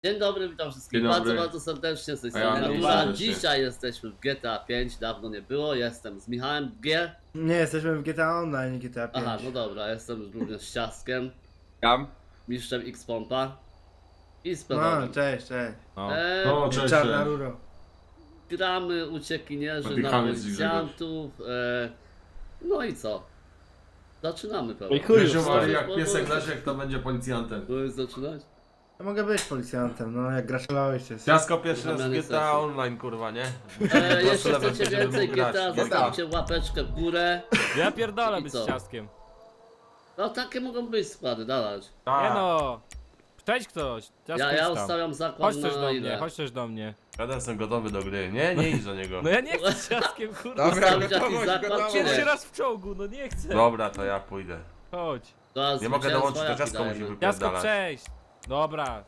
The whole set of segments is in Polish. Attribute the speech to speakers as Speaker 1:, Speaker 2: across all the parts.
Speaker 1: Dzień dobry, witam wszystkich
Speaker 2: Dzień
Speaker 1: bardzo,
Speaker 2: dobry.
Speaker 1: bardzo serdecznie z tej
Speaker 2: A ja
Speaker 1: strony
Speaker 2: bardzo
Speaker 1: Natura.
Speaker 2: serdecznie.
Speaker 1: Dzisiaj jesteśmy w GTA 5, dawno nie było, jestem z Michałem G.
Speaker 3: Nie, jesteśmy w GTA Online, nie GTA 5.
Speaker 1: Aha, no dobra, jestem również z Ciastkiem,
Speaker 2: Tam?
Speaker 1: mistrzem X-Pompa i z
Speaker 3: No,
Speaker 1: Pedałem.
Speaker 3: cześć.
Speaker 2: No, cześć,
Speaker 3: Czarna
Speaker 2: cześć.
Speaker 3: ruro.
Speaker 1: Gramy uciekinierzy na
Speaker 2: Napychamy z
Speaker 1: policjantów, no i co? Zaczynamy pewnie.
Speaker 2: Grzesiu, jak piesek Leszek, to będzie policjantem.
Speaker 1: Możesz zaczynać?
Speaker 3: Ja mogę być policjantem, no jak graszowałeś się.
Speaker 4: Ciasko pierwszy raz
Speaker 1: Zamiany
Speaker 4: w GTA
Speaker 1: sesji.
Speaker 4: Online, kurwa, nie?
Speaker 1: Jeśli
Speaker 4: level,
Speaker 1: chcecie
Speaker 4: żeby
Speaker 1: więcej
Speaker 4: mógł grać.
Speaker 1: GTA, zostawcie łapeczkę w górę.
Speaker 5: Ja pierdolę
Speaker 1: I
Speaker 5: być
Speaker 1: co?
Speaker 5: z ciastkiem.
Speaker 1: No takie mogą być składy, dawać.
Speaker 5: Nie no. Cześć ktoś. Ciastko
Speaker 1: Ja
Speaker 5: jest tam.
Speaker 1: ustawiam zakład
Speaker 5: Chodź też
Speaker 1: na
Speaker 5: do
Speaker 1: ile?
Speaker 5: mnie, chodź też do mnie.
Speaker 4: Ja też jestem gotowy do gry. Nie idź do niego.
Speaker 5: No ja nie chcę z ciastkiem, kurwa.
Speaker 1: Ustawić jakiś zakład, czy
Speaker 5: Pierwszy
Speaker 1: nie?
Speaker 5: raz w czołgu, no nie chcę.
Speaker 4: Dobra, to ja pójdę.
Speaker 5: Chodź.
Speaker 1: Zaraz
Speaker 4: Nie mogę
Speaker 1: zwycięstwo
Speaker 4: dołączyć, to
Speaker 1: jaki
Speaker 4: ciasko musi
Speaker 1: dajemy?
Speaker 5: Ciastko
Speaker 4: wypierdalać.
Speaker 5: przejść. Dobra.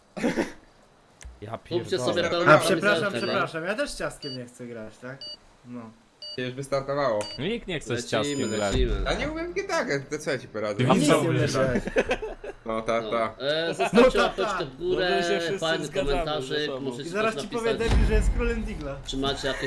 Speaker 5: Ja
Speaker 1: Kupcie sobie
Speaker 5: pierdolę.
Speaker 1: pełną
Speaker 3: A
Speaker 1: kamizelkę,
Speaker 3: przepraszam, ja też z ciastkiem nie chcę grać, tak? No.
Speaker 6: Już wystartowało.
Speaker 5: Nikt nie chce z
Speaker 1: Lecimy,
Speaker 5: ciastkiem grać.
Speaker 1: lecimy.
Speaker 6: A nie umiem GTA, to co ja ci poradzę?
Speaker 4: Ty
Speaker 3: A nic
Speaker 4: widzę,
Speaker 3: nie umiesz
Speaker 4: tak.
Speaker 3: grać.
Speaker 6: No tak,
Speaker 1: No.
Speaker 6: tak.
Speaker 1: Zostawcie
Speaker 3: No tak,
Speaker 1: łapeczkę
Speaker 3: tak.
Speaker 1: w
Speaker 5: No
Speaker 1: górę,
Speaker 5: my się wszyscy
Speaker 1: fajny
Speaker 5: zgadzamy
Speaker 1: komentarzyk,
Speaker 5: ze sobą.
Speaker 3: I
Speaker 1: możecie
Speaker 3: zaraz
Speaker 1: też
Speaker 3: ci powie
Speaker 1: napisać,
Speaker 3: debil, że jest królem Digla.
Speaker 1: czy macie jakieś,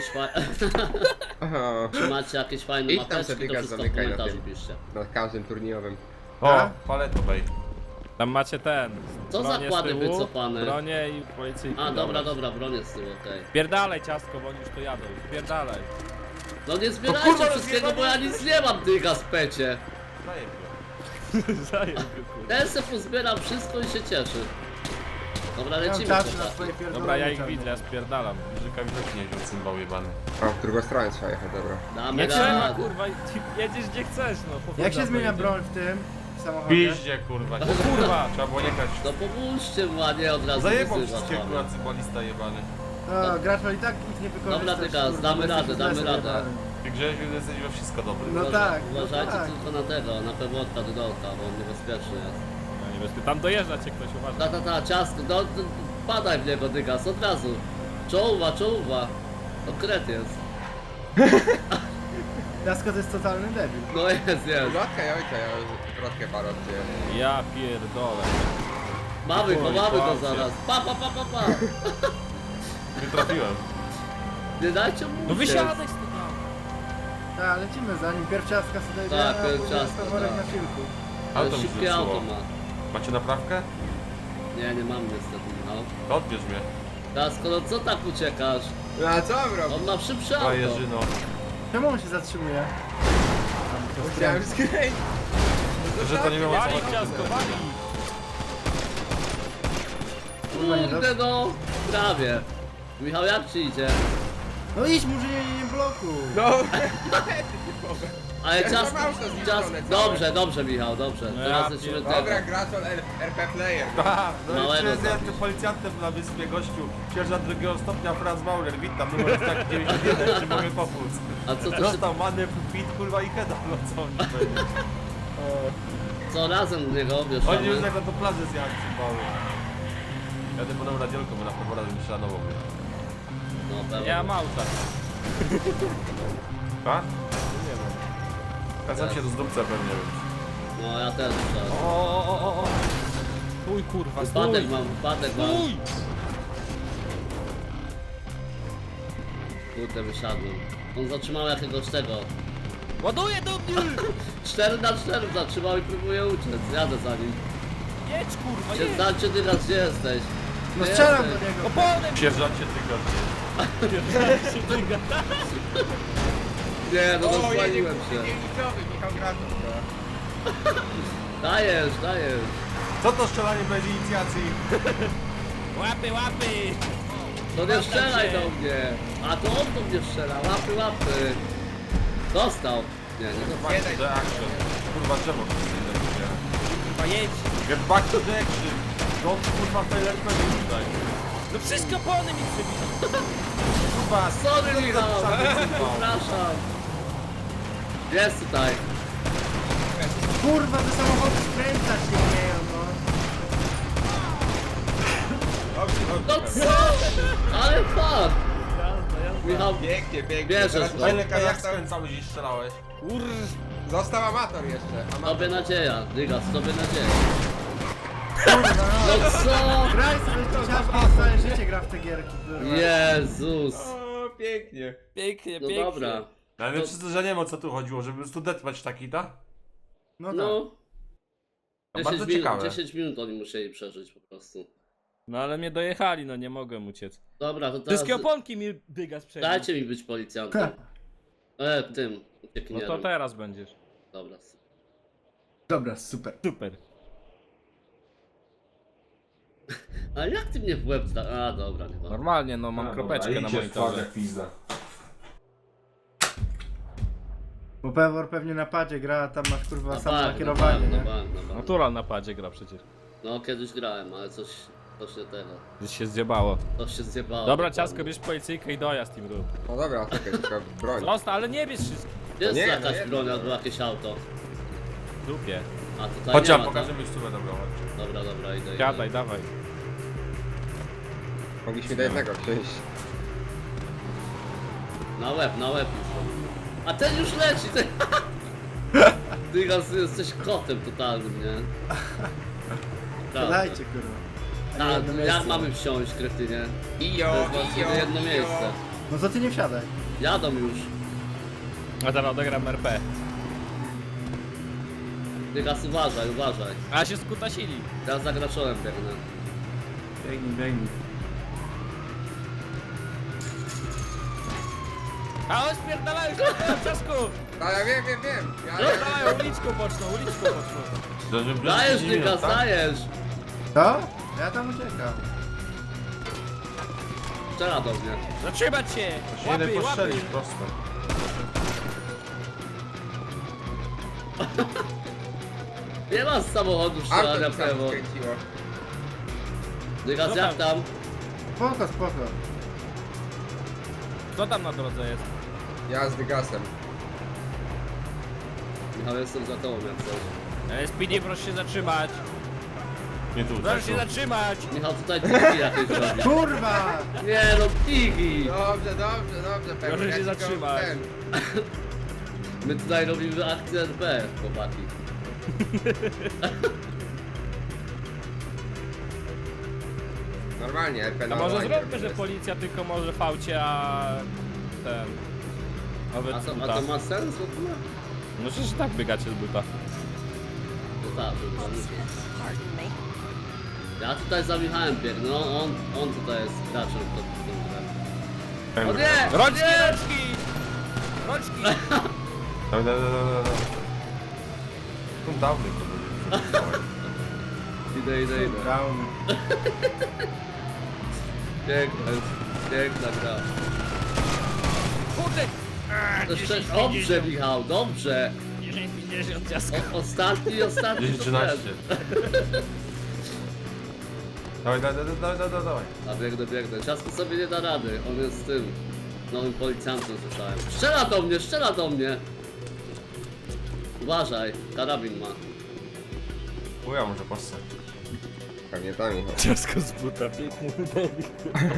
Speaker 6: Aha.
Speaker 1: czy macie jakieś fajne
Speaker 6: Idź tam
Speaker 1: mapeczki,
Speaker 6: sobie
Speaker 1: to
Speaker 6: gaz
Speaker 1: wszystko w
Speaker 6: zamykaj na
Speaker 1: komentarzu
Speaker 6: tym.
Speaker 1: piszcie.
Speaker 6: Na każdym turniejowym.
Speaker 4: O, paletowej.
Speaker 5: Tam macie ten.
Speaker 1: Co
Speaker 5: bronię z
Speaker 1: zakłady
Speaker 5: tyłu,
Speaker 1: wycofane?
Speaker 5: Bronię i policyjki.
Speaker 1: A, dobra, bronię z tyłu, okej.
Speaker 5: Pierdalej ciastko, bo oni już tu jadą. Pierdalaj.
Speaker 1: No nie zbierajcie
Speaker 4: kurwa,
Speaker 1: wszystkiego, bo ja nic nie mam, ty gaspecie.
Speaker 5: Zajeb go, kurwa.
Speaker 1: Ten se pozbieram wszystko i się cieszy. Dobra,
Speaker 3: Ja mam
Speaker 1: lecimy
Speaker 3: czas na
Speaker 1: chłopaki.
Speaker 3: swoje pierdolenie.
Speaker 5: Dobra, ja ich
Speaker 3: czarne.
Speaker 5: widzę, ja spierdalam.
Speaker 4: Żyka widocznie nie wziął cymbał jebany.
Speaker 6: A w drugą stronę trzeba jechać, dobra.
Speaker 1: Damy
Speaker 5: Nie trzeba,
Speaker 1: radę.
Speaker 5: kurwa, jedziesz gdzie chcesz, no. po
Speaker 3: Jak się
Speaker 5: chuj
Speaker 3: zmienia
Speaker 5: tam
Speaker 3: broń w tym samochodzie?
Speaker 4: Piździe, kurwa.
Speaker 5: Kurwa.
Speaker 4: Trzeba było jechać.
Speaker 1: No pomóżcie mu, a nie od razu
Speaker 4: Zajebał
Speaker 1: wyzywać
Speaker 4: wszystkie,
Speaker 1: mamy.
Speaker 4: kurwa, cybalista jebany.
Speaker 3: No, gracz i tak ich nie wykorzystasz.
Speaker 1: Dobra, Dygas,
Speaker 3: kurwa,
Speaker 1: damy
Speaker 3: bo
Speaker 1: radę,
Speaker 3: jesteś
Speaker 1: damy
Speaker 3: zlesem
Speaker 1: radę.
Speaker 3: jebanym.
Speaker 4: Ty Grzesiu jesteś we wszystko dobry.
Speaker 3: No tak, no
Speaker 1: Uważajcie
Speaker 3: tak.
Speaker 1: tylko na tego, na pewłotka Dydolta, bo on niebezpieczny jest.
Speaker 5: No niebezpie... Tam dojeżdża cię ktoś, uważaj.
Speaker 1: Ciasto, padaj w niego, Dygas, od razu. Czołuwa. To kret jest.
Speaker 3: Ciastko to jest totalny debil.
Speaker 1: No jest.
Speaker 6: Wrotka ja ojca, ja wrotkę parę odcięłem.
Speaker 5: Ja pierdolę.
Speaker 1: Mamy go
Speaker 4: Kłamcie.
Speaker 1: zaraz. Pa.
Speaker 4: Nie trafiłem.
Speaker 1: Nie dajcie mu
Speaker 5: No
Speaker 1: uciec.
Speaker 5: wysiadaj z tego.
Speaker 3: Tak, lecimy za nim. Pierw ciastka sobie
Speaker 1: Tak,
Speaker 3: jedzie, a
Speaker 1: pierw
Speaker 3: później
Speaker 1: ciastka,
Speaker 3: worek
Speaker 1: tak.
Speaker 3: na silku.
Speaker 4: Auto mi
Speaker 1: Szybkie auto
Speaker 4: zepsuło.
Speaker 1: ma.
Speaker 4: Macie naprawkę?
Speaker 1: Nie mam niestety, Michał.
Speaker 4: To odbierz mnie.
Speaker 1: Ciasko, no co tak uciekasz?
Speaker 6: No a co mam robić?
Speaker 1: On ma szybsze
Speaker 4: A
Speaker 1: auto.
Speaker 4: Jerzyno.
Speaker 3: Czemu on się zatrzymuje?
Speaker 6: Musiałem skręcić.
Speaker 4: Że to nie wiem o co
Speaker 5: Wali
Speaker 4: chodzi.
Speaker 5: ciastko, wali.
Speaker 1: Kurde no, prawie. Michał, jak ci idzie?
Speaker 3: No idź, może nie blokuj.
Speaker 6: No,
Speaker 1: Ale
Speaker 6: Ja
Speaker 1: ciasko,
Speaker 6: mam auto zniszczone całe.
Speaker 1: dobrze Michał, dobrze.
Speaker 5: No
Speaker 1: Teraz
Speaker 5: ja
Speaker 1: lecimy
Speaker 5: pierdolę.
Speaker 6: dobra,
Speaker 1: tego.
Speaker 6: gracz RP Player.
Speaker 4: Aha, no
Speaker 1: Małego
Speaker 4: jeszcze jest
Speaker 1: zabić.
Speaker 4: tym policjantem na wyspie gościu. Sierżant drugiego stopnia Franz Maurer, witam, numer jest taki 91, czy mogę pomóc?
Speaker 1: A co to się,
Speaker 4: Dostał manę, fit, kurwa i heada, no co mi powiedzieć?
Speaker 1: co razem do niego
Speaker 4: Oni już
Speaker 1: wieszamy?
Speaker 4: jak na to plażę zjechać cymbałem. Jadę po nową radiolką, bo na pewno razem szanował mnie.
Speaker 1: No pewnie.
Speaker 5: Ja mam auta.
Speaker 4: Tak?
Speaker 5: Nie wiem.
Speaker 4: Ja sam się rozdupcę pewnie, więc.
Speaker 1: No ja też muszę.
Speaker 5: O. Stój kurwa,
Speaker 1: Wypadek
Speaker 5: stój.
Speaker 1: mam.
Speaker 5: Stój.
Speaker 1: Kurde, wysiadłem. On zatrzymał jakiegoś tego.
Speaker 5: Ładuję do mnie.
Speaker 1: 4x4 zatrzymał i próbuje uciec. Jadę za nim.
Speaker 5: Jedź kurwa, jedź.
Speaker 1: Znacie ty raz, gdzie jesteś?
Speaker 3: No
Speaker 1: Gdzie
Speaker 3: strzelam do
Speaker 1: jesteś?
Speaker 3: niego.
Speaker 5: Oponem
Speaker 4: Sierżancie tylko.
Speaker 5: się dyga.
Speaker 1: Nie, no
Speaker 6: O, jedzie
Speaker 1: rozpaliłem się.
Speaker 6: dzielnicowy, Michał Graczów.
Speaker 1: Dajesz.
Speaker 4: Co to strzelanie bez inicjacji?
Speaker 5: Łapy.
Speaker 1: To nie strzelaj do mnie. A to on do mnie strzela. Łapy. Dostał. Nie dostał.
Speaker 4: Back to the action. Kurwa, drzewo to jest
Speaker 5: Kurwa jedź.
Speaker 4: Get back to the action. Don't kurwa fail RPG tutaj.
Speaker 5: No wszystko opony mi przebito.
Speaker 4: Kurwa,
Speaker 1: Sorry Michał,
Speaker 4: Przepraszam.
Speaker 1: przepraszam. Jest tutaj.
Speaker 3: Kurwa, te samochody skręcać nie umieją, no.
Speaker 1: No co? Ale fuck. Michał,
Speaker 6: Pięknie.
Speaker 1: Bierzesz
Speaker 6: Teraz
Speaker 1: go.
Speaker 6: Czarny
Speaker 4: jak
Speaker 6: Kazachstan.
Speaker 4: skręcałeś i strzelałeś?
Speaker 6: Został amator jeszcze. Amator.
Speaker 1: tobie nadzieja. Dygas, tobie nadzieja.
Speaker 3: Kurwa, no.
Speaker 1: No co?
Speaker 3: Graj sobie ciężko, całe życie gra w te gierki, kurwa.
Speaker 1: Jezus.
Speaker 6: O, pięknie.
Speaker 5: Pięknie,
Speaker 1: No
Speaker 5: pięknie.
Speaker 1: dobra.
Speaker 4: Ale
Speaker 1: To-
Speaker 4: wszyscy, że nie wiem o co tu chodziło, żeby po prostu deathmatch taki, tak?
Speaker 3: No tak.
Speaker 1: No.
Speaker 4: To bardzo
Speaker 1: 10 minut,
Speaker 4: ciekawe.
Speaker 1: 10 minut oni musieli przeżyć po prostu.
Speaker 5: No ale mnie dojechali, no nie mogłem uciec.
Speaker 1: Dobra, to teraz
Speaker 5: Wszystkie oponki mi dygas przebił.
Speaker 1: dajcie mi być policjantem. Tym,
Speaker 5: No
Speaker 1: uciekinierem.
Speaker 5: to teraz będziesz.
Speaker 1: Dobra.
Speaker 3: Dobra, super.
Speaker 5: Super.
Speaker 1: Ale jak ty mnie w łeb A, dobra, nie ma.
Speaker 5: Normalnie, no mam kropeczkę na monitorze.
Speaker 2: jak pizda.
Speaker 3: Bo Pewor pewnie na padzie gra, a tam masz kurwa
Speaker 1: Na
Speaker 3: samo
Speaker 1: bank,
Speaker 3: nakierowanie,
Speaker 1: na
Speaker 3: nie?
Speaker 1: bank, na bank.
Speaker 5: Natural na padzie gra przecież.
Speaker 1: No kiedyś grałem, ale coś nie tego.
Speaker 5: Gdzieś się zjebało.
Speaker 1: Coś się zjebało.
Speaker 5: Dobra,
Speaker 1: dokładnie.
Speaker 5: ciasko, bierz policyjkę i dojazd im rób.
Speaker 6: No dobra, czekaj, tylko broń.
Speaker 5: Został, ale nie bierz wszystkich.
Speaker 1: Jest
Speaker 6: Nie, no
Speaker 1: jakaś
Speaker 6: jedno,
Speaker 1: broń
Speaker 6: no.
Speaker 1: albo jakieś auto.
Speaker 5: W dupie.
Speaker 1: A tutaj
Speaker 4: Chodź,
Speaker 1: nie
Speaker 4: ja
Speaker 1: ma,
Speaker 4: pokażę
Speaker 1: tak?
Speaker 4: mi stówę dobrą, chodź.
Speaker 1: Dobra, idę.
Speaker 5: Gadaj, dawaj.
Speaker 6: Mogliśmy do jednego wsiąść.
Speaker 1: Na łeb już. A ten już leci, ten... Ty Gas, jesteś kotem totalnym, nie? Prawda.
Speaker 3: Dajcie kurwa.
Speaker 1: A,
Speaker 3: jedno
Speaker 1: jak
Speaker 3: miejsce.
Speaker 1: mamy wsiąść, kretynie? To
Speaker 6: Ijo,
Speaker 1: jest właściwie jedno miejsce.
Speaker 3: No to ty nie wsiadaj.
Speaker 1: Jadą już.
Speaker 5: A teraz odegram RP.
Speaker 1: Ty Gas, uważaj.
Speaker 5: A się skutasili.
Speaker 1: Ja za graczolem biegnę.
Speaker 3: Biegnij.
Speaker 5: A on spierdalają się, ciasku!
Speaker 6: A ja wiem.
Speaker 5: Spierdalają uliczką boczną.
Speaker 1: Dajesz, ty Gas, dajesz!
Speaker 3: Co? Ja tam uciekam.
Speaker 1: Strzela do mnie.
Speaker 5: Zatrzymać się!
Speaker 4: Się jeden
Speaker 5: Łapy, łapy!
Speaker 4: postrzelić prosto.
Speaker 1: Nie ma z samochodu
Speaker 6: Auto
Speaker 1: strzelania
Speaker 6: mi sam
Speaker 1: prawo.
Speaker 6: skręciło.
Speaker 1: Ty Gas,
Speaker 5: No
Speaker 1: jak
Speaker 5: tak.
Speaker 1: tam?
Speaker 3: Spoko.
Speaker 5: Kto tam na drodze jest?
Speaker 6: Ja z dygasem.
Speaker 1: Michał, jestem za tobą jak coś.
Speaker 5: SPD, proszę się zatrzymać!
Speaker 4: Nie tu,
Speaker 5: Proszę
Speaker 4: tak
Speaker 5: się
Speaker 4: tu.
Speaker 5: zatrzymać!
Speaker 1: Michał, tutaj tiki jakieś robi.
Speaker 3: Kurwa!
Speaker 1: Nie no, tiki!
Speaker 6: Dobrze, pewnie.
Speaker 5: Proszę się
Speaker 6: Ja ci go
Speaker 5: zatrzymać.
Speaker 6: ten-
Speaker 1: My tutaj robimy akcję RP, chłopaki.
Speaker 6: Normalnie, RP
Speaker 5: A
Speaker 6: na
Speaker 5: może
Speaker 6: online
Speaker 5: zróbmy, że
Speaker 6: jest.
Speaker 5: policja tylko może fałcie, a ten...
Speaker 1: A
Speaker 5: Nawet z
Speaker 1: to,
Speaker 5: buta.
Speaker 1: a to ma sens w ogóle?
Speaker 5: No przecież tak biegacie z buta.
Speaker 1: No tak, to chyba musi. Ja tutaj za Michałem biegnę, no on tutaj jest graczem w tą grę. O nie!
Speaker 5: Rączki,
Speaker 1: nie!
Speaker 5: rączki! Rączki!
Speaker 4: Dawaj. Tu dawny to będzie.
Speaker 1: Idę.
Speaker 3: Down.
Speaker 1: Piękna gra.
Speaker 5: Kurde!
Speaker 1: Jeszcze, dobrze Michał, dobrze.
Speaker 5: 10-50 ciasko.
Speaker 1: Ostatni.
Speaker 4: 10-13. Dawaj.
Speaker 1: A biegnę. Ciasko sobie nie da rady, on jest z tym nowym policjantem, słyszałem. Strzela do mnie! Uważaj, karabin ma.
Speaker 4: Uja, może postać.
Speaker 6: Pewnie tam Michał.
Speaker 5: Ciasko z buta, piękny debil.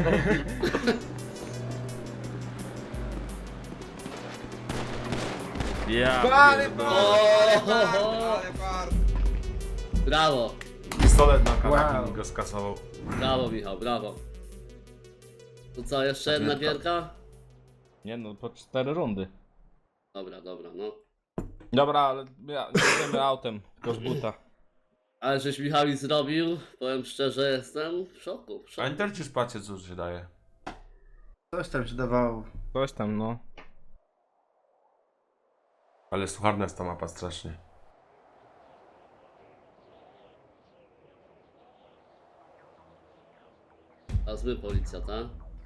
Speaker 5: Ja
Speaker 6: Ale
Speaker 5: pierdolę.
Speaker 6: Ale bar.
Speaker 1: Brawo,
Speaker 4: Pistolet na karabin
Speaker 3: Wow.
Speaker 4: i go skasował.
Speaker 1: brawo Michał, brawo. To co, jeszcze jedna
Speaker 4: Pamiętam.
Speaker 1: gierka?
Speaker 5: Nie no, po 4 rundy.
Speaker 1: Dobra, no.
Speaker 5: Dobra, ale jedziemy autem, tylko z buta.
Speaker 1: Ale żeś Michał i zrobił, powiem szczerze, jestem w szoku.
Speaker 4: A Inter czy szpacie co się daje?
Speaker 3: Coś tam się dawało.
Speaker 5: Coś tam, no.
Speaker 4: Ale sucharna jest ta mapa strasznie.
Speaker 1: A zły policja, tak?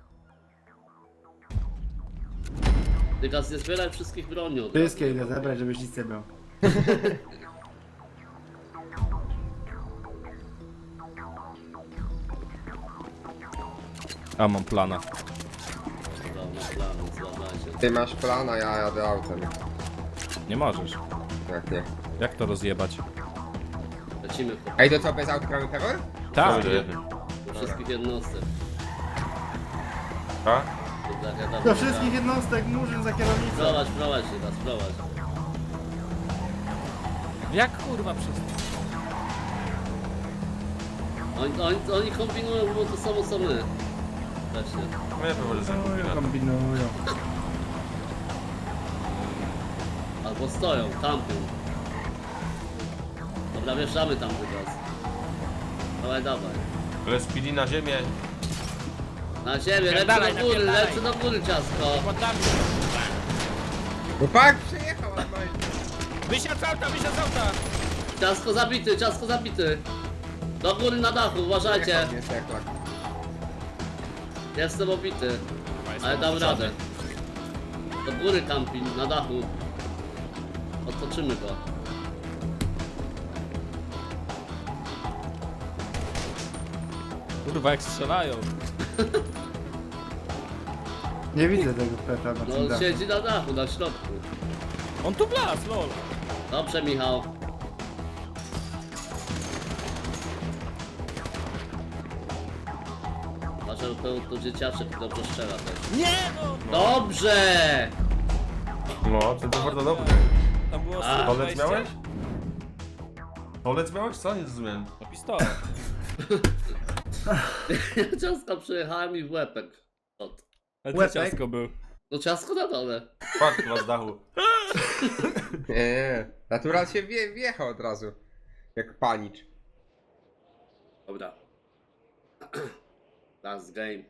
Speaker 1: Ty Gaz, nie zbieraj wszystkich broni od razu.
Speaker 3: Wszystkie idę zebrać, żebyś nic nie miał.
Speaker 5: A mam plana.
Speaker 1: Dobra, na plan, zważajcie.
Speaker 6: Ty masz plan, a ja jadę autem.
Speaker 5: Nie możesz.
Speaker 6: Jak nie.
Speaker 5: Jak to rozjebać?
Speaker 1: Lecimy po
Speaker 6: Ej, to co, bez aut gramy Pewor?
Speaker 5: Tak!
Speaker 1: do wszystkich jednostek.
Speaker 4: A?
Speaker 1: To tak, ja tam
Speaker 3: Do wszystkich jednostek murzyn za kierownicą.
Speaker 1: Prowadź się Gaz, prowadź.
Speaker 5: Jak kurwa wszystko?
Speaker 1: Oni kombinują, bo to samo co my. Właśnie.
Speaker 4: Nie wiem, może sobie kombinat.
Speaker 3: Kombinują.
Speaker 1: Albo stoją, tampią. Dobra, wjeżdżamy tam teraz. Dawaj.
Speaker 4: Ale speedy na ziemię.
Speaker 1: Na ziemię, lecę
Speaker 5: Napierdalaj,
Speaker 1: do góry,
Speaker 5: napierdalaj.
Speaker 1: lecę do góry, ciasko.
Speaker 5: Poddamy.
Speaker 6: Chłopak przyjechał, normalnie.
Speaker 5: Wysiadł z auta, wysiadł z auta!
Speaker 1: Ciasko zabity. Do góry na dachu, uważajcie.
Speaker 6: Nie seklak.
Speaker 1: Jestem obity, ale dam radę. Do góry camping, na dachu. Otoczymy go.
Speaker 5: Kurwa, jak strzelają.
Speaker 3: Nie widzę tego peta na tym
Speaker 1: No
Speaker 3: dachu.
Speaker 1: siedzi na dachu, na środku.
Speaker 5: On tu wlazł, lol.
Speaker 1: Dobrze, Michał. Patrzę, to dzieciaczek dobrze strzela też.
Speaker 5: Nie no!
Speaker 1: Dobrze!
Speaker 4: No, to bardzo dobrze.
Speaker 5: Tam było
Speaker 1: A.
Speaker 4: Tolec miałeś? Tolec miałeś? Co? Nie zrozumiałem.
Speaker 5: No pistolet.
Speaker 1: Ciasko przyjechałem i w łepek. Od.
Speaker 5: Ale
Speaker 3: Łepek?
Speaker 5: to ciastko był.
Speaker 1: No ciasko na dole.
Speaker 4: Fakt, chyba z dachu.
Speaker 6: Nie. Natural się wjechał od razu. Jak panicz.
Speaker 1: Dobra. Last game.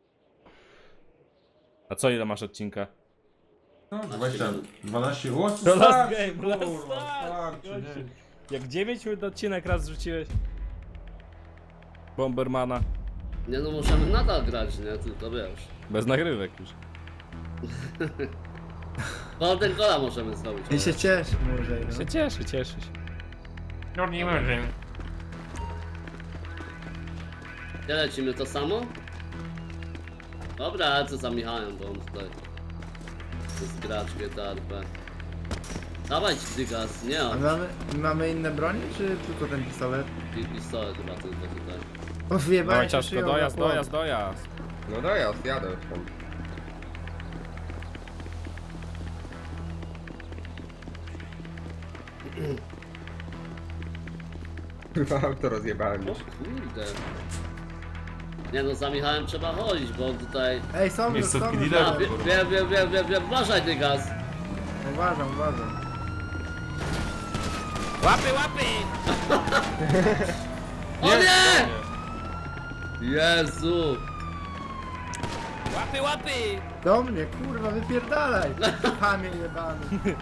Speaker 5: A co, ile masz odcinka?
Speaker 2: No, 12. O, co
Speaker 5: To last
Speaker 2: tak,
Speaker 5: game, last
Speaker 2: kurwa,
Speaker 5: time.
Speaker 2: tak, czy nie?
Speaker 5: Jak 9 minut odcinek raz zrzuciłeś? Bombermana.
Speaker 1: Nie no, możemy nadal grać, nie? Tylko wiesz.
Speaker 5: Bez nagrywek już.
Speaker 1: Golden Gola możemy zrobić.
Speaker 3: I się cieszy może. No.
Speaker 5: Się cieszy, cieszy się.
Speaker 4: No nie może.
Speaker 1: Gdzie lecimy, to samo? Dobra, ale co za Michałem, bo on tutaj jest gracz GTRP. Dawaj Dygas, nie
Speaker 3: A
Speaker 1: on.
Speaker 3: mamy inne bronie, czy tylko ten pistolet?
Speaker 1: Pistolet chyba tylko tutaj.
Speaker 3: O, wyjebałem
Speaker 5: Dawaj
Speaker 3: się
Speaker 5: ciastko,
Speaker 3: szyją
Speaker 5: dojazd,
Speaker 3: na płot.
Speaker 5: dojazd, dojazd.
Speaker 6: No dojazd, jadę już tam. Chyba auto rozjebałem
Speaker 1: O
Speaker 6: już.
Speaker 1: kurde. Nie no, za Michałem trzeba chodzić, bo on tutaj...
Speaker 3: Ej, są już,
Speaker 4: Miejsce
Speaker 3: są już.
Speaker 4: dealera.
Speaker 1: A, wiem, uważaj Dygas.
Speaker 3: Uważam.
Speaker 5: Łapy, łapy!
Speaker 1: O nie! Jezu!
Speaker 5: Łapy, łapy!
Speaker 3: Do mnie, kurwa, wypierdalaj! Chamie jebany.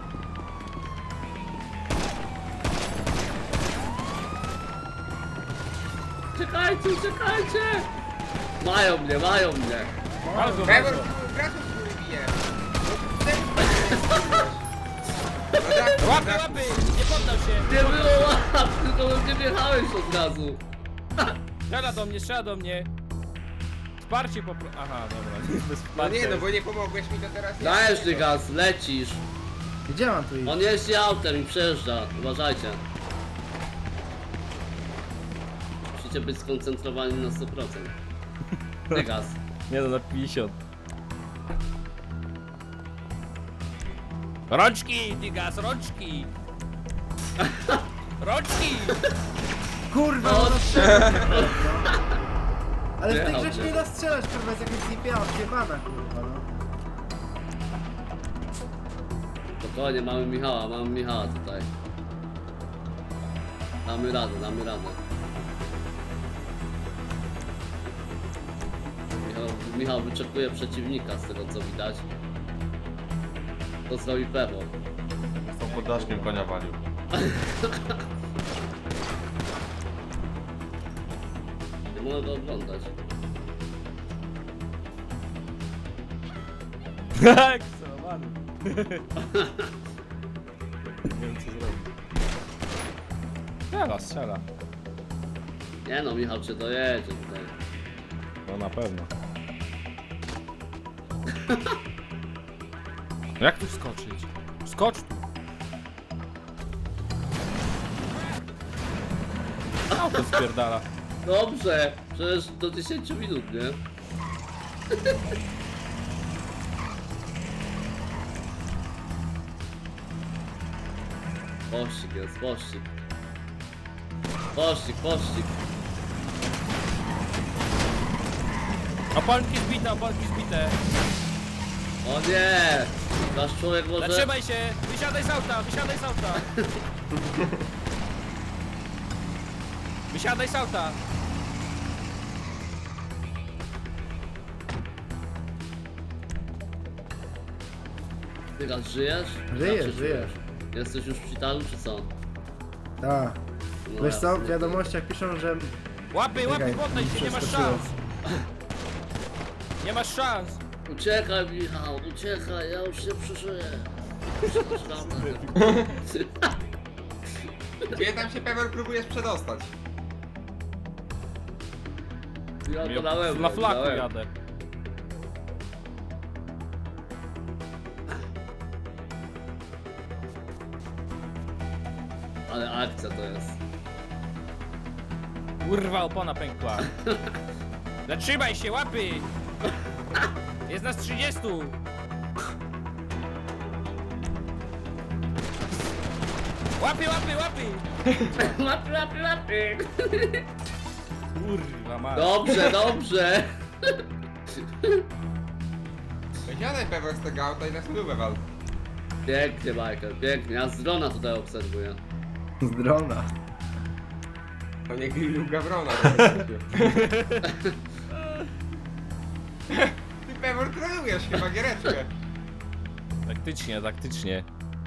Speaker 1: Uciekajcie! Mają mnie!
Speaker 5: Ale go
Speaker 6: Trevor,
Speaker 5: bardzo.
Speaker 6: graczów z góry bije.
Speaker 5: Łapy, łapy! Nie poddał się!
Speaker 1: Nie było łap, tylko nie wjechałeś od razu.
Speaker 5: Strzela do mnie! Wsparcie Aha, dobra, bez
Speaker 6: No
Speaker 5: wsparcia.
Speaker 6: nie, no bo nie pomogłeś mi, to teraz ja.
Speaker 1: Dajesz Dygas, lecisz.
Speaker 3: Gdzie mam tu iść?
Speaker 1: On jeździ autem i przejeżdża, uważajcie. Musicie być skoncentrowani na 100%. Dygas.
Speaker 5: Nie no, na 50. Rączki, Dygas, rączki! Rączki!
Speaker 3: Kurwa,
Speaker 1: No,
Speaker 3: no strzelać! Ale w tej
Speaker 1: Jechał
Speaker 3: grze się
Speaker 1: cię.
Speaker 3: nie da strzelać, kurwa, jest jakaś zjebana, kurwa, no.
Speaker 1: Spokojnie, mamy Michała tutaj. Damy radę. Michał wyczekuje przeciwnika z tego co widać. To zrobi Pewo.
Speaker 4: Z tą poddaszkiem konia walił.
Speaker 1: Nie mogę go oglądać.
Speaker 5: Tak, celowany. Nie wiem co zrobić. Strzela.
Speaker 1: Nie no, Michał cię dojedzie tutaj.
Speaker 5: No na pewno. Jak tu wskoczyć? Skocz tu! Auto spierdala.
Speaker 1: Dobrze, przecież do 10 minut, nie? Pościg jest, pościg. Pościg.
Speaker 5: Opalki zbite.
Speaker 1: O nie! Nasz człowiek może...
Speaker 5: Zatrzymaj się! Wysiadaj z auta! Wysiadaj z auta!
Speaker 1: Tygas, żyjesz?
Speaker 3: Żyję,
Speaker 1: Jak się
Speaker 3: żyję.
Speaker 1: czujesz? Jesteś już w szpitalu, czy co?
Speaker 3: Tak.
Speaker 1: No
Speaker 3: Wiesz co,
Speaker 1: jasne.
Speaker 3: w wiadomościach piszą, że...
Speaker 5: Łapy,
Speaker 3: Czekaj,
Speaker 5: poddaj się, nie masz
Speaker 3: przeskoczyłem.
Speaker 5: szans! Nie masz szans!
Speaker 1: Uciekaj, Michał, uciekaj, ja już się przeżyję.
Speaker 6: Gdzie tam się Pewor próbujesz przedostać?
Speaker 1: Ja to na łeb,
Speaker 5: Na flaku
Speaker 1: na łeb.
Speaker 5: jadę.
Speaker 1: Ale akcja to jest.
Speaker 5: Kurwa, opona pękła. Zatrzymaj się, łapy! Jest nas 30! Łapy!
Speaker 1: Łapy.
Speaker 5: Kurwa, ma.
Speaker 1: Dobrze.
Speaker 6: Wysiadaj Pewor z tego auta i na spróbę wal.
Speaker 1: Pięknie, Michael, pięknie. Ja z drona tutaj obserwuję.
Speaker 3: Z drona.
Speaker 6: To nie grillu Gawrona. Ty Pewor trolujesz chyba giereczkę.
Speaker 5: Taktycznie.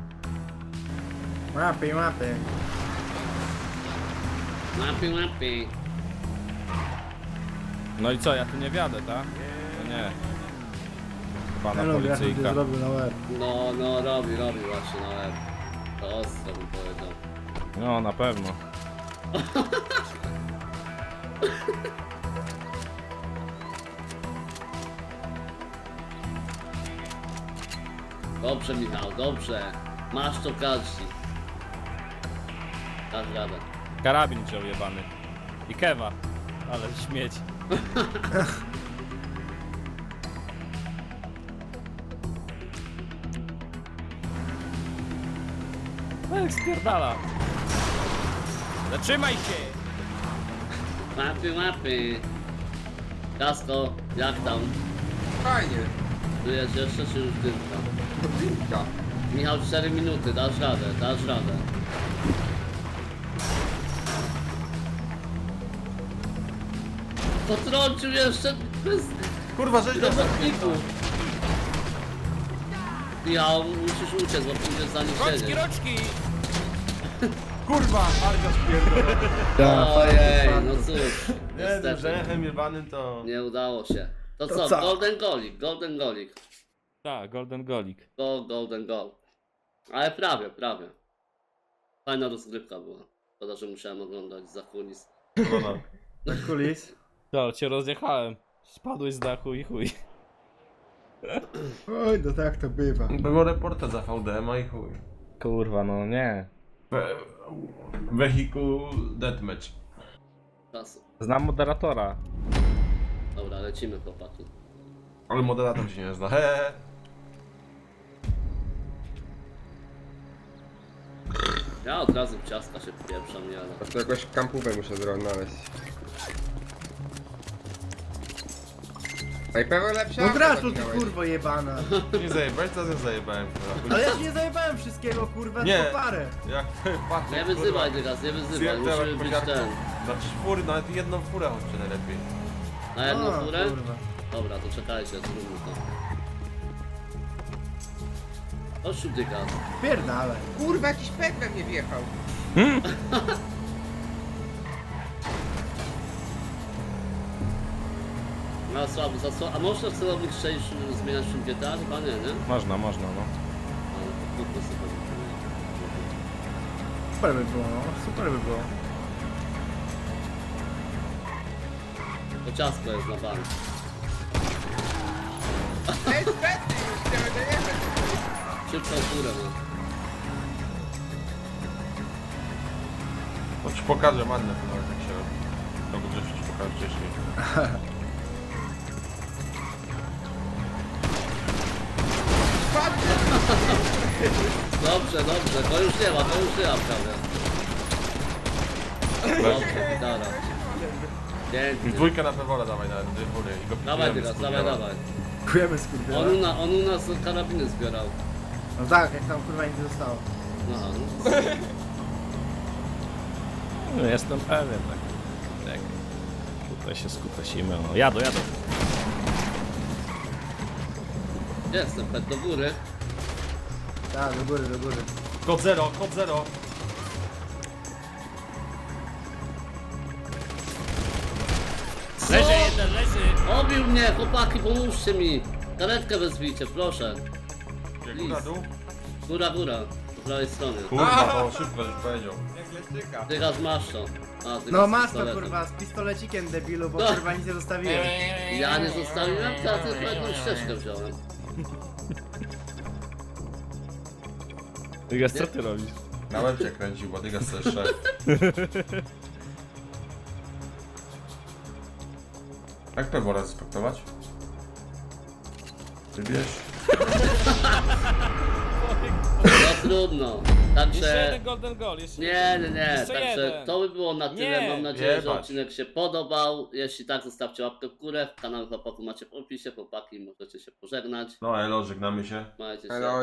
Speaker 3: Mapy.
Speaker 1: Łapy.
Speaker 5: No i co, ja tu nie wiadę, tak? No nie. Pana
Speaker 3: Ja lubię, jak
Speaker 5: policyjka.
Speaker 3: to zrobił na łeb.
Speaker 1: No, robi właśnie na łeb. To ostro bym powiedział.
Speaker 5: No, na pewno.
Speaker 1: Dobrze, Michał, dobrze. Masz to każdy. Dasz radę.
Speaker 5: Karabin wziął jebany. I kewa. Ale śmieć. No jak spierdala. Zatrzymaj się!
Speaker 1: Łapy. Kasko, jak tam?
Speaker 6: Fajnie.
Speaker 1: Żyjesz jeszcze, czy już dymka?
Speaker 6: Dymka.
Speaker 1: Michał, 4 minuty, dasz radę. Potrącił jeszcze bez
Speaker 4: Kurwa, żeś nas
Speaker 1: robotników. Michał, musisz uciec, bo pójdziesz za nim
Speaker 5: Roczki,
Speaker 1: siedzieć.
Speaker 5: roczki!
Speaker 4: Kurwa, Arga spierdolona.
Speaker 1: Ojej, no cóż,
Speaker 4: Nie, tym
Speaker 1: niestety,
Speaker 4: rzechem jebanym to...
Speaker 1: nie udało się. To
Speaker 3: To
Speaker 1: co,
Speaker 3: co?
Speaker 1: golden golik.
Speaker 5: Tak, golden golik.
Speaker 1: Golden goal. Ale prawie. Fajna rozgrywka była. Szkoda, że musiałem oglądać za kulis.
Speaker 4: No.
Speaker 3: Na kulis.
Speaker 5: To, cię rozjechałem. Spadłeś z dachu i chuj.
Speaker 3: Oj, no tak to bywa.
Speaker 2: Było reporta za VDM-a i chuj.
Speaker 5: Kurwa, no nie.
Speaker 2: Wehikuł deathmatch.
Speaker 1: Czasu.
Speaker 5: Znam moderatora.
Speaker 1: Dobra, lecimy, chłopaki.
Speaker 2: Ale moderator się nie zna. Hehe.
Speaker 1: Ja od razu w ciastka się wpieprzam, nie ale...
Speaker 6: A to jakąś kampówę muszę znaleźć. No i Pewor lepsza
Speaker 3: No
Speaker 6: auto
Speaker 3: graczu, ty
Speaker 6: zaginałeś.
Speaker 3: kurwo jebana.
Speaker 2: Nie zajebałeś, teraz ja zajebałem. kurwa.
Speaker 3: Ale ja ci nie zajebałem wszystkiego, kurwa,
Speaker 2: Nie.
Speaker 3: tylko parę.
Speaker 2: Jak patrzę,
Speaker 1: Nie wyzywaj teraz, nie wyzywaj,
Speaker 2: Zjebałem
Speaker 1: musimy
Speaker 2: jak
Speaker 1: być
Speaker 2: kosiarką.
Speaker 1: ten.
Speaker 2: Znaczy czwór, nawet jedną furę chodźcie najlepiej.
Speaker 1: Na jedną
Speaker 3: O,
Speaker 1: furę?
Speaker 3: kurwa.
Speaker 1: Dobra, to czekajcie, zróbmy to. Chodź tu, dygas.
Speaker 3: Pierdalaj.
Speaker 6: Kurwa, jakiś pek we mnie wjechał.
Speaker 1: No słabo, a można w celownik strzelić zmieniać w GTA? Chyba nie, nie?
Speaker 5: Można, no.
Speaker 1: Ale to kupmy sobie.
Speaker 3: Super by było, no. Super by było.
Speaker 1: To ciasko jest na bank.
Speaker 6: Ej, spety już, chciałem dojechać.
Speaker 1: Szybką furę, no.
Speaker 2: To ci pokażę Mannę, jak się robi. To go ci pokażę wcześniej.
Speaker 1: Dobrze, to już nie ma prawie. Dobrze, gitara.
Speaker 2: I
Speaker 1: Pięknie.
Speaker 2: dwójkę na Pewora dawaj na góry i go
Speaker 1: Dawaj
Speaker 2: pikujemy
Speaker 1: teraz,
Speaker 2: z
Speaker 1: dawaj,
Speaker 2: kurwiela.
Speaker 1: dawaj.
Speaker 3: Dziękujemy skurwiela.
Speaker 1: On u nas karabiny zbierał.
Speaker 3: No tak, jak tam kurwa nic nie zostało.
Speaker 1: No,
Speaker 5: No, jestem pewien. Tak. Tutaj się skutasimy. O, jadą.
Speaker 1: jestem, pet do góry.
Speaker 3: Tak, do góry, do góry.
Speaker 4: Kod 0, kod 0.
Speaker 1: Co?
Speaker 5: Leży jeden, leży.
Speaker 1: Obił mnie, chłopaki, pomóżcie mi. Karetkę wezwijcie, proszę.
Speaker 4: Góra, dół.
Speaker 1: Góra, po prawej stronie.
Speaker 2: Kurwa, to szybko już powiedział.
Speaker 6: Jak leszczyka.
Speaker 1: Dygasz masz to. A, ty
Speaker 3: No
Speaker 1: z
Speaker 3: masz to
Speaker 1: pistoletem.
Speaker 3: kurwa, z pistolecikiem debilu, bo
Speaker 1: No.
Speaker 3: kurwa nic nie zostawiłem.
Speaker 1: Ja nie zostawiłem, to ja tylko jedną ścieżkę wziąłem.
Speaker 5: Dygas, co ty robisz?
Speaker 2: Na łeb cię kręcił, bo Dygas też szedł. Jak Pewora respektować? Wybierz.
Speaker 1: No trudno.
Speaker 5: Jeszcze
Speaker 1: Także...
Speaker 5: jeden golden goal, jeszcze
Speaker 1: Nie.
Speaker 5: Jeszcze
Speaker 1: Także
Speaker 5: jeden.
Speaker 1: to by było na tyle.
Speaker 5: Nie.
Speaker 1: Mam nadzieję, że
Speaker 2: Jebać.
Speaker 1: odcinek się podobał. Jeśli tak, zostawcie łapkę w górę. Kanał chłopaków macie w opisie. Chłopaki, możecie się pożegnać.
Speaker 2: No elo, żegnamy się.
Speaker 1: Majcie się.
Speaker 6: Elo,